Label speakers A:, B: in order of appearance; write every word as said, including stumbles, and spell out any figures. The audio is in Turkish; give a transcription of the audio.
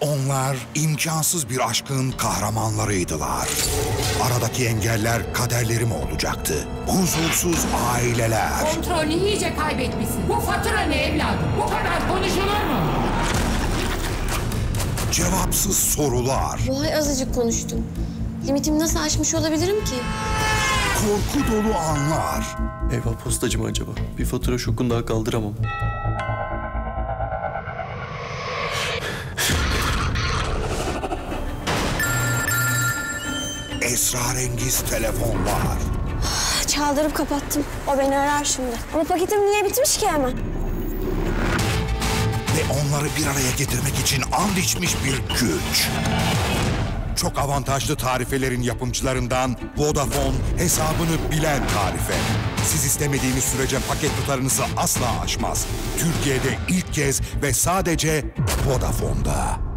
A: Onlar imkansız bir aşkın kahramanlarıydılar. Aradaki engeller kaderleri mi olacaktı? Huzursuz aileler.
B: Kontrolünü iyice kaybetmişsin. Bu fatura ne evladım? Bu kadar konuşulur mu?
A: Cevapsız sorular.
C: Bu ay azıcık konuştum. Limitimi nasıl aşmış olabilirim ki?
A: Korku dolu anlar.
D: Eyvah, postacı mı acaba? Bir fatura şokunu daha kaldıramam.
A: Esrarengiz telefonlar.
C: Çaldırıp kapattım. O beni arar şimdi. Ama paketim niye bitmiş ki hemen?
A: Ve onları bir araya getirmek için and içmiş bir güç. Çok avantajlı tarifelerin yapımcılarından Vodafone, hesabını bilen tarife. Siz istemediğiniz sürece paket tutarınızı asla aşmaz. Türkiye'de ilk kez ve sadece Vodafone'da.